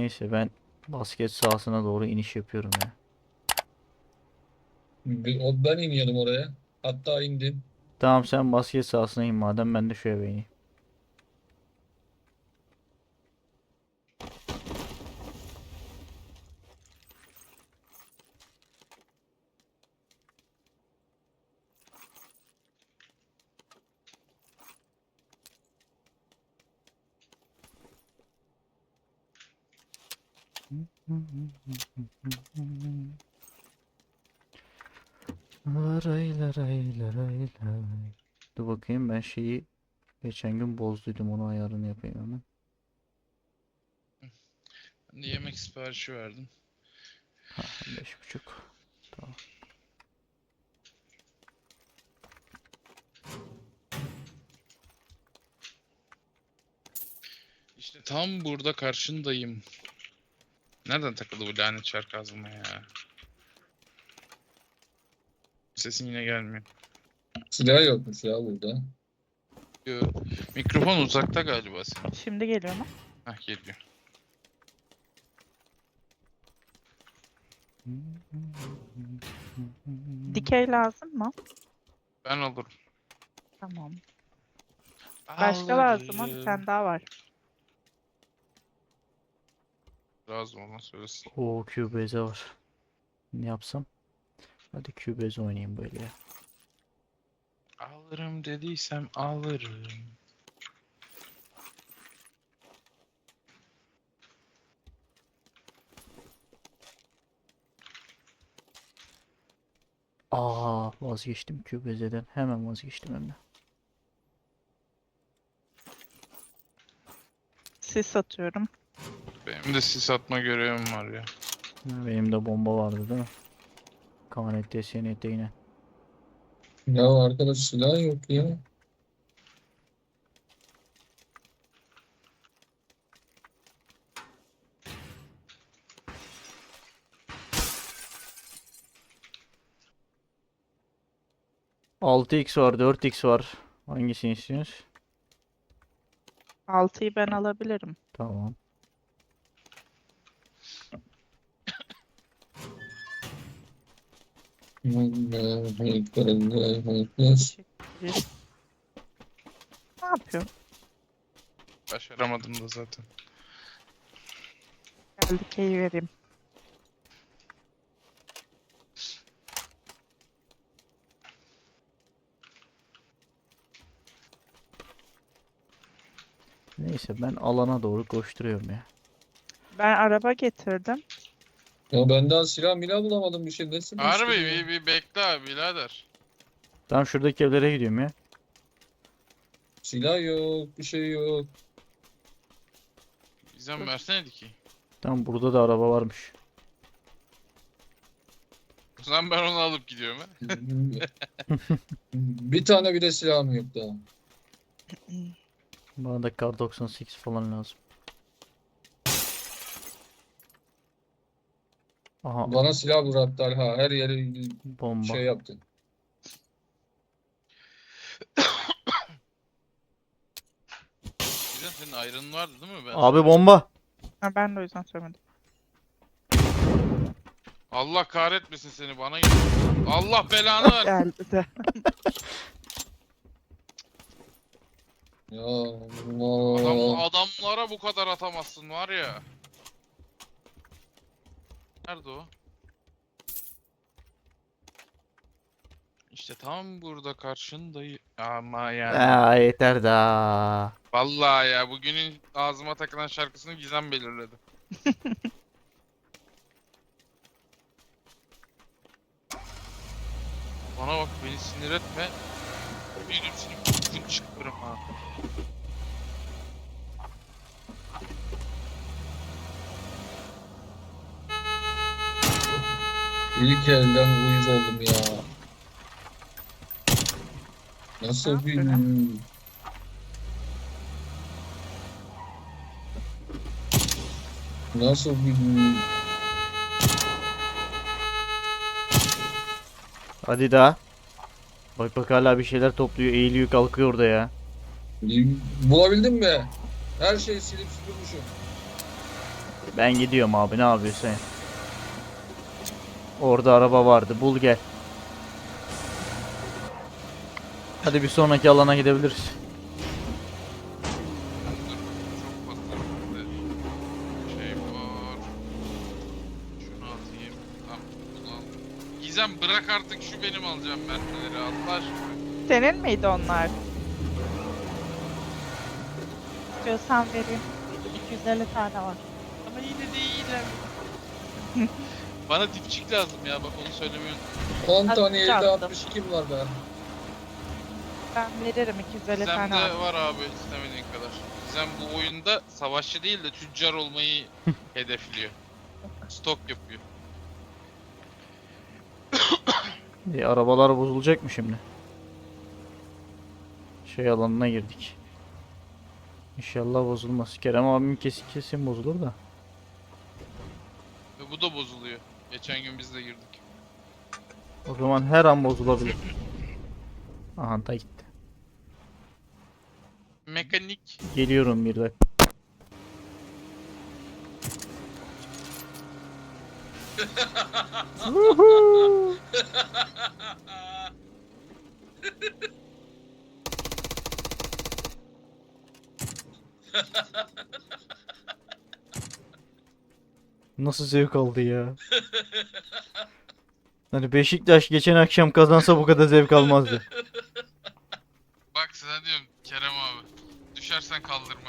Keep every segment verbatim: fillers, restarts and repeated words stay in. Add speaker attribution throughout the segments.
Speaker 1: Neyse ben basket sahasına doğru iniş yapıyorum ya.
Speaker 2: Bir- o- Ben iniyordum oraya. Hatta indim.
Speaker 1: Tamam sen basket sahasına in madem ben de şu eve ineyim. Laray laray laray laray. Dur bakayım ben şeyi geçen gün bozduydum onu ayarını yapayım hemen.
Speaker 3: Ben de yemek siparişi verdim.
Speaker 1: Ha beş buçuk. Tamam.
Speaker 3: İşte tam burada karşındayım. Nereden takıldı bu lanet şarkı ağzıma ya? Sesin yine gelmiyor.
Speaker 2: Silah yokmuş ya burada.
Speaker 3: Yo, mikrofon uzakta galiba senin.
Speaker 4: Şimdi geliyor mu?
Speaker 3: Hah geliyor.
Speaker 4: Dikey lazım mı?
Speaker 3: Ben alırım.
Speaker 4: Tamam. Başka lazım mı? Bir
Speaker 3: Alırım.
Speaker 4: tane daha var.
Speaker 3: Lazım olan söylesin.
Speaker 1: Oo Cubase var. Ne yapsam? Hadi Cubase oynayayım böyle ya.
Speaker 3: Alırım dediysem alırım.
Speaker 1: Aa vazgeçtim Cubase'den. Hemen vazgeçtim hem de.
Speaker 4: Sis atıyorum.
Speaker 3: Benim de sis atma görevim var ya.
Speaker 1: Benim de bomba vardı değil mi? K N T, S N T yine.
Speaker 2: Ya arkadaş silah yok ya.
Speaker 1: altı x var, dört x var. Hangisini istiyorsunuz?
Speaker 4: altıyı ben alabilirim.
Speaker 1: Tamam.
Speaker 4: Teşekkür ederim. Ne yapıyorsun?
Speaker 3: Başaramadım da zaten.
Speaker 4: Gel dikeyi vereyim.
Speaker 1: Neyse ben alana doğru koşturuyorum ya.
Speaker 4: Ben araba getirdim.
Speaker 2: Ya ben daha silah milah bulamadım bir şey. Nasıl
Speaker 3: Harbi
Speaker 2: bir
Speaker 3: bir, bir bekle abi birader.
Speaker 1: Tam şuradaki evlere gidiyorum ya.
Speaker 2: Silah yok, bir şey yok.
Speaker 3: Bizden versene ki.
Speaker 1: Tam burada da araba varmış.
Speaker 3: O zaman ben onu alıp gidiyorum ha.
Speaker 2: Bir tane bile silahım yok daha.
Speaker 1: Bana da Kar doksan sekiz falan lazım. Aha
Speaker 2: Bana silah bıraktı Talha. Her yeri
Speaker 1: bomba.
Speaker 2: şey yaptı.
Speaker 3: Bizden senin ayrının vardı değil mi? Ben
Speaker 1: Abi bomba.
Speaker 4: Ha, ben de o yüzden söylemedim.
Speaker 3: Allah kahretmesin seni bana gel. Allah belanı ver.
Speaker 4: Geldi de.
Speaker 2: Ya
Speaker 3: Adam,
Speaker 2: Allah.
Speaker 3: adamlara bu kadar atamazsın var ya. Nerede o? İşte tam burada karşındayım. Ama yani.
Speaker 1: Aa, yeter daha.
Speaker 3: Vallahi ya bugünün ağzıma takılan şarkısını Gizem belirledi. Bana bak beni sinir etme. Benim seni kutun çıkarım ha.
Speaker 2: İlk elden uyuz oldum ya. Nasıl bir... Nasıl bir...
Speaker 1: Hadi daha. Bak bak hala bir şeyler topluyor, eğiliyor, kalkıyor orada ya.
Speaker 2: Bulabildin mi? Her şeyi silip süpürmüşüm.
Speaker 1: Ben gidiyorum abi, ne yapıyorsun sen? Orada araba vardı, bul gel. Hadi bir sonraki alana gidebiliriz.
Speaker 3: Dur, çok fazla bizde şey var. Şunu atayım. Tamam, bunu al. Gizem bırak artık, şu benim alacağım mermileri, Allah aşkına.
Speaker 4: Senin miydi onlar? İstiyorsan vereyim. iki yüz elli tane var.
Speaker 3: Ama yine de iyiler. Bana dipçik lazım ya, bak onu söylemeyi unuttum.
Speaker 2: on tane
Speaker 4: Azıcık
Speaker 2: yedi
Speaker 4: attım.
Speaker 2: altmış iki var be.
Speaker 4: Ben veririm iki yüz elli tane
Speaker 3: Gizem'de
Speaker 4: var.
Speaker 3: var abi istemediğin kadar. Gizem bu oyunda savaşçı değil de tüccar olmayı hedefliyor. Stok yapıyor.
Speaker 1: E, arabalar bozulacak mı şimdi? Şey alanına girdik. İnşallah bozulmaz. Kerem abim kesin kesin bozulur da.
Speaker 3: Ve bu da bozuluyor. Geçen gün biz de girdik.
Speaker 1: O zaman her an bozulabilir. Aha da gitti.
Speaker 3: Mekanik.
Speaker 1: Geliyorum bir dakika. Woohoo! Nasıl zevk aldı ya? Hani Beşiktaş geçen akşam kazansa bu kadar zevk almazdı.
Speaker 3: Bak sana diyorum Kerem abi. Düşersen kaldırmam.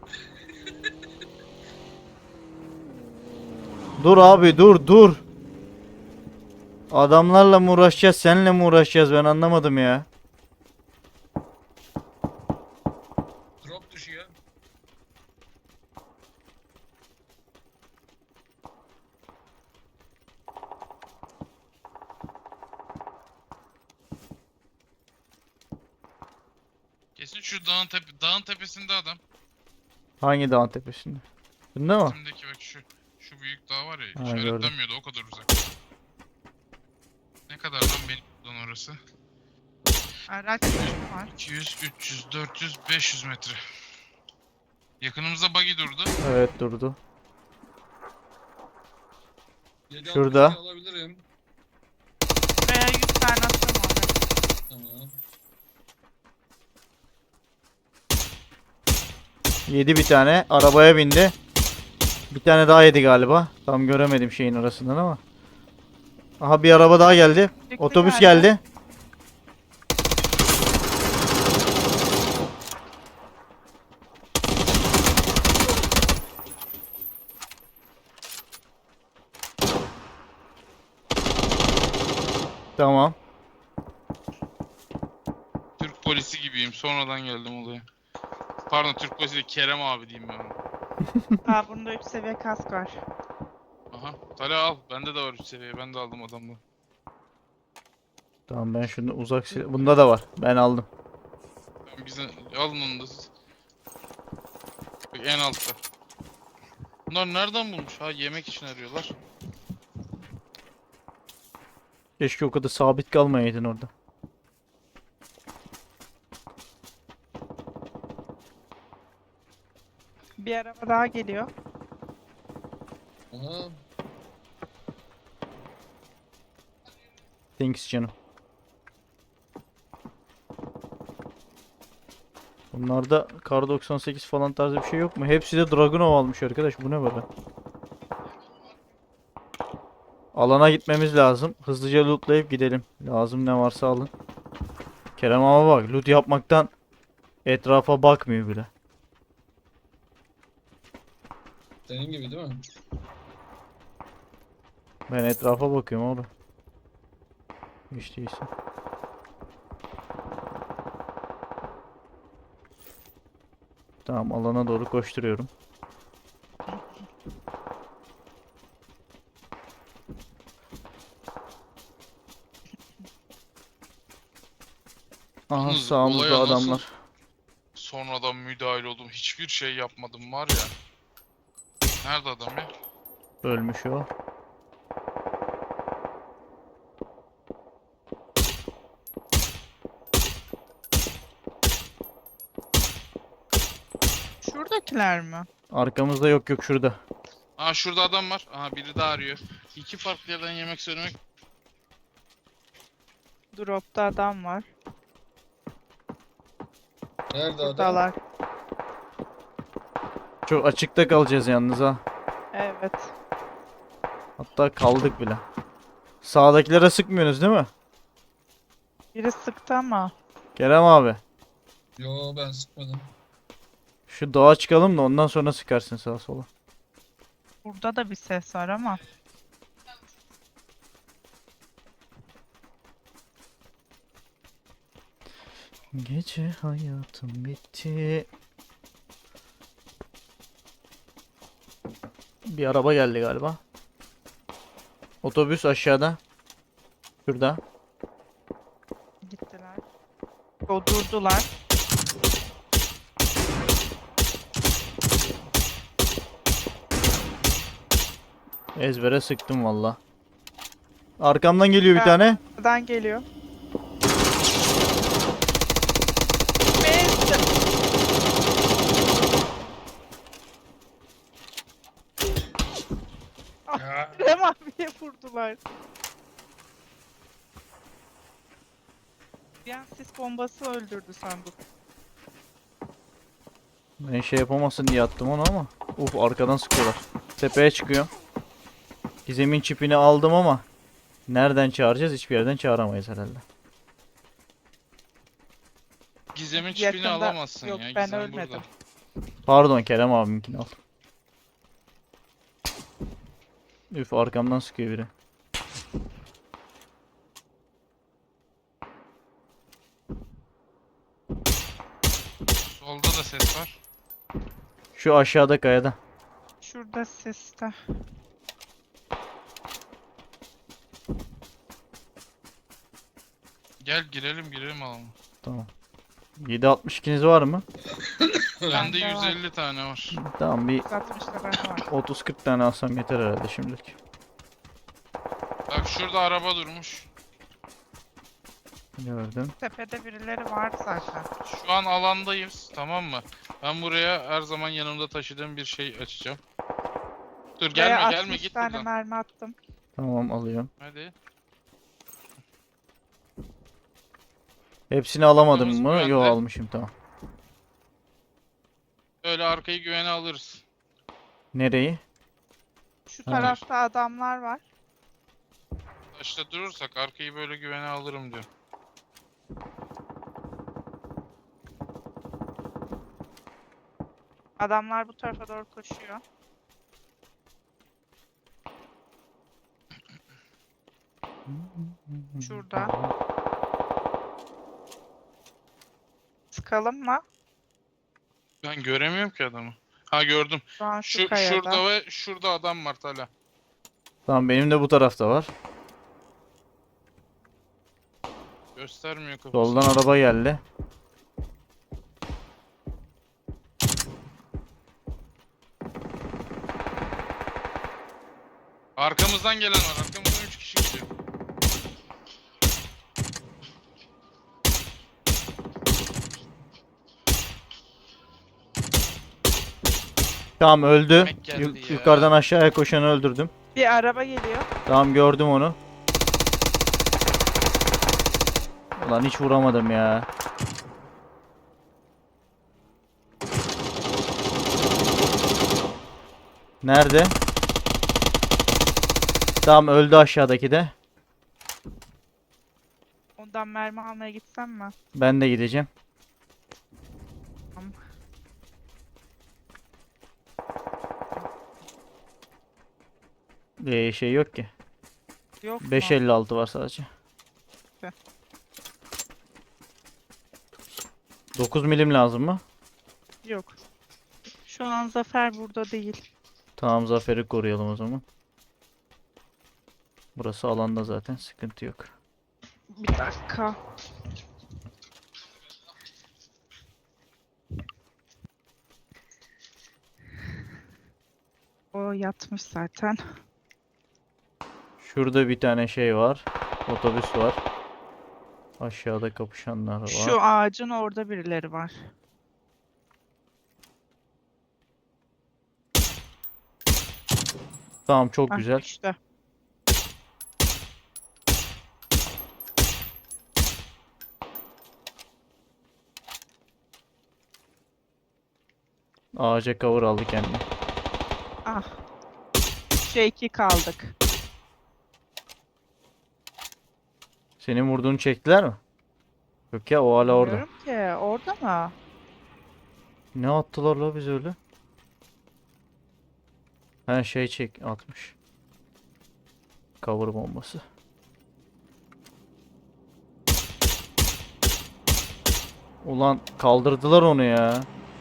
Speaker 1: Dur abi, dur dur. Adamlarla mı uğraşacağız, seninle mi uğraşacağız, ben anlamadım ya.
Speaker 2: Drop düşüyor.
Speaker 3: Kesin şu dağın tepe dağın tepesinde adam.
Speaker 1: Hangi dağın tepesinde? Bunda mı?
Speaker 3: Şimdiki bak şu şu büyük dağ var ya,
Speaker 1: Ha, gördüm.
Speaker 3: işaretlenmiyordu o kadar uzak. Ne kadar lan benim buradan orası?
Speaker 4: Araç var.
Speaker 3: iki yüz, üç yüz, dört yüz, beş yüz metre. Yakınımızda buggy durdu.
Speaker 1: Evet, durdu.
Speaker 2: yedi
Speaker 1: Şurada.
Speaker 2: altmış iki alabilirim.
Speaker 4: Buraya yüz tane atıyorum abi.
Speaker 2: Tamam.
Speaker 1: Yedi bir tane. Arabaya bindi. Bir tane daha yedi galiba. Tam göremedim şeyin arasından ama. Aha, bir araba daha geldi.
Speaker 4: Çıktı
Speaker 1: Otobüs
Speaker 4: galiba.
Speaker 1: geldi. Tamam.
Speaker 3: Türk polisi gibiyim. Sonradan geldim olaya. Pardon, Türk polisi değil, Kerem abi diyeyim ben ona.
Speaker 4: Aa bunda üç seviye kask var.
Speaker 3: Aha. Talha al. Bende de var üç seviye. Ben de aldım adamdan.
Speaker 1: Tamam, ben şunu uzak silah. Bunda da var. Ben aldım.
Speaker 3: Ben bize alın onu da siz. Bak en altta. Bunlar nereden bulmuş? Ha, yemek için arıyorlar.
Speaker 1: Keşke o kadar sabit kalmayaydın orada.
Speaker 4: Bir araba daha geliyor.
Speaker 2: Aha.
Speaker 1: Thanks canım. Bunlarda kar doksan sekiz falan tarzı bir şey yok mu? Hepsi de Dragunov almış arkadaş. Bu ne böyle? Alana gitmemiz lazım. Hızlıca lootlayıp gidelim. Lazım ne varsa alın. Kerem ama bak, loot yapmaktan etrafa bakmıyor bile.
Speaker 2: Senin gibi değil mi?
Speaker 1: Ben etrafa bakıyorum oğlum. Hiç değilse. Tamam, alana doğru koşturuyorum. Aha,
Speaker 3: Yalnız
Speaker 1: sağımızda
Speaker 3: olaya nasıl-
Speaker 1: adamlar.
Speaker 3: Sonradan müdahale oldum. Hiçbir şey yapmadım var ya. Nerede adam ya?
Speaker 1: Ölmüş o.
Speaker 4: Şuradakiler mi?
Speaker 1: Arkamızda yok, yok şurada.
Speaker 3: Aa şurada adam var. Aha biri daha arıyor. İki farklı yerden yemek söylemek.
Speaker 4: Drop'ta adam var.
Speaker 2: Nerede adam?
Speaker 4: Buradalar.
Speaker 1: Çok açıkta kalacağız yalnız ha.
Speaker 4: Evet.
Speaker 1: Hatta kaldık bile. Sağdakilere sıkmıyorsunuz değil mi?
Speaker 4: Biri sıktı ama.
Speaker 1: Kerem abi.
Speaker 2: Yo ben sıkmadım.
Speaker 1: Şu dağa çıkalım da ondan sonra sıkarsın sağa sola.
Speaker 4: Burada da bir ses var ama.
Speaker 1: Gece hayatım bitti. Bir araba geldi galiba. Otobüs aşağıda. Şurada.
Speaker 4: Gittiler. O durdular.
Speaker 1: Ezbere sıktım valla. Arkamdan geliyor bir
Speaker 4: Ya.
Speaker 1: tane.
Speaker 4: Buradan geliyor. Neyse. Kerem abiye vurdular. Bir an sis bombası öldürdü sandım.
Speaker 1: Ben şey yapamasın diye attım onu ama. Uf arkadan sıkıyorlar. Tepeye çıkıyor. Gizem'in çipini aldım ama nereden çağıracağız? Hiçbir yerden çağıramayız herhalde.
Speaker 3: Gizem'in
Speaker 4: Yakında-
Speaker 3: çipini alamazsın
Speaker 4: yok,
Speaker 3: ya.
Speaker 4: ben
Speaker 3: Gizem
Speaker 4: ölmedim.
Speaker 3: burada.
Speaker 1: Pardon Kerem abiminkini al. Üf arkamdan sıkıyor biri.
Speaker 3: Solda da ses var.
Speaker 1: Şu aşağıda kayada.
Speaker 4: Şurada siste.
Speaker 3: Gel girelim girelim alalım.
Speaker 1: Tamam. yedi altmış ikiniz var mı?
Speaker 3: Bende
Speaker 4: Bende var.
Speaker 3: yüz elli tane var.
Speaker 1: Tamam bir
Speaker 4: altmışta ben var.
Speaker 1: otuz kırk tane alsam yeter herhalde şimdilik.
Speaker 3: Bak şurada araba durmuş.
Speaker 1: Gördüm.
Speaker 4: Tepede birileri var zaten.
Speaker 3: Şu an alandayız, tamam mı? Ben buraya her zaman yanımda taşıdığım bir şey açacağım. Dur gelme
Speaker 4: Buraya
Speaker 3: gelme
Speaker 4: altmış
Speaker 3: git
Speaker 4: tane
Speaker 3: buradan.
Speaker 4: mermi attım.
Speaker 1: Tamam alıyorum.
Speaker 3: Hadi.
Speaker 1: Hepsini alamadım
Speaker 3: Kırmızı
Speaker 1: mı?
Speaker 3: güvende.
Speaker 1: Yok almışım tamam.
Speaker 3: Öyle arkayı güvene alırız.
Speaker 1: Nereyi?
Speaker 4: Şu
Speaker 1: Ha.
Speaker 4: tarafta adamlar var.
Speaker 3: İşte durursak arkayı böyle güvene alırım diyor.
Speaker 4: Adamlar bu tarafa doğru koşuyor. Şurada. Sıkalım mı?
Speaker 3: Ben göremiyorum ki adamı. Ha gördüm.
Speaker 4: Şu an şu,
Speaker 3: Şu
Speaker 4: kayada.
Speaker 3: şurada ve şurada adam var Tala.
Speaker 1: Tamam benim de bu tarafta var.
Speaker 3: Göstermiyor kafasını.
Speaker 1: Soldan araba geldi.
Speaker 3: Arkamızdan gelen var. Arkamızdan üç kişi gidiyor.
Speaker 1: Tamam öldü.
Speaker 3: Demek geldi
Speaker 1: Yu-
Speaker 3: ya.
Speaker 1: yukarıdan aşağıya koşanı öldürdüm.
Speaker 4: Bir araba geliyor.
Speaker 1: Tamam gördüm onu. Ulan hiç vuramadım ya. Nerede? Tamam öldü aşağıdaki de.
Speaker 4: Ondan mermi almaya gitsem mi?
Speaker 1: Ben de gideceğim.
Speaker 4: Tamam.
Speaker 1: Ee, şey yok ki.
Speaker 4: Yok mu?
Speaker 1: beş elli altı var sadece.
Speaker 4: Heh.
Speaker 1: dokuz milim lazım mı?
Speaker 4: Yok. Şu an Zafer burada değil.
Speaker 1: Tamam Zafer'i koruyalım o zaman. Burası alanda zaten sıkıntı yok.
Speaker 4: Bir dakika. O yatmış zaten.
Speaker 1: Şurada bir tane şey var. Otobüs var. Aşağıda kapışanlar var.
Speaker 4: Şu ağacın orada birileri var.
Speaker 1: Tamam, çok
Speaker 4: Hah,
Speaker 1: güzel.
Speaker 4: düştü.
Speaker 1: Ağaca cover aldı kendini.
Speaker 4: Ah. Üçe iki kaldık.
Speaker 1: Senin vurduğunu çektiler mi? Yok ya, o hala orada.
Speaker 4: Bilmiyorum ki. Orada mı?
Speaker 1: Ne attılar la biz öyle? He, şey çek atmış. Cover bombası. Ulan kaldırdılar onu ya.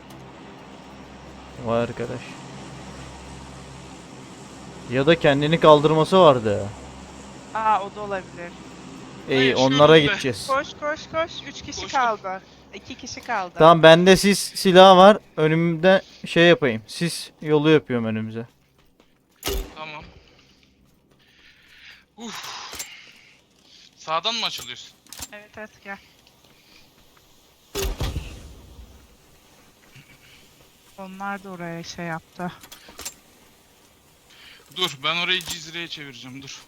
Speaker 1: Vay arkadaş. Ya da kendini kaldırması vardı.
Speaker 4: Aa, o da olabilir.
Speaker 1: İyi,
Speaker 3: Yaşıyoruz
Speaker 1: onlara
Speaker 3: be.
Speaker 1: gideceğiz.
Speaker 4: Koş koş koş. Üç kişi
Speaker 3: Koştum.
Speaker 4: kaldı. İki kişi kaldı.
Speaker 1: Tamam, bende sis silahı var. Önümde şey yapayım. Sis yolu yapıyorum önümüze.
Speaker 3: Tamam. Uf. Sağdan mı açılıyorsun?
Speaker 4: Evet evet gel. Onlar da oraya şey yaptı.
Speaker 3: Dur, ben orayı Cizre'ye çevireceğim, dur.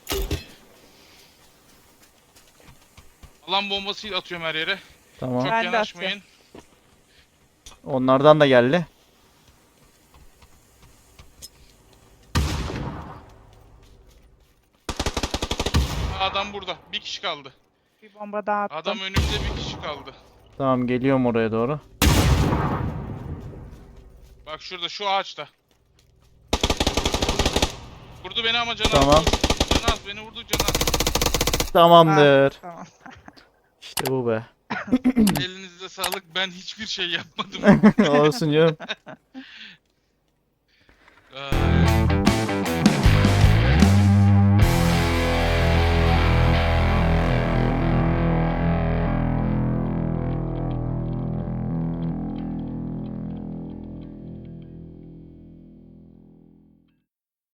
Speaker 3: Alan bombasıyla atıyorum her yere.
Speaker 1: Tamam.
Speaker 3: Çok
Speaker 4: Ben de
Speaker 3: yanaşmayın.
Speaker 1: Onlardan da geldi.
Speaker 3: Adam burada. Bir kişi kaldı.
Speaker 4: Bir bomba daha attım.
Speaker 3: Adam önümde bir kişi kaldı.
Speaker 1: Tamam, geliyorum oraya doğru.
Speaker 3: Bak şurada, şu ağaçta. Vurdu beni ama canı
Speaker 1: Tamam.
Speaker 3: az. Canı az, beni vurdu canı az.
Speaker 1: Tamamdır.
Speaker 4: Ah, tamam.
Speaker 1: İşte bu be.
Speaker 3: Elinize sağlık, ben hiçbir şey yapmadım.
Speaker 1: Olsun canım.
Speaker 3: Aa,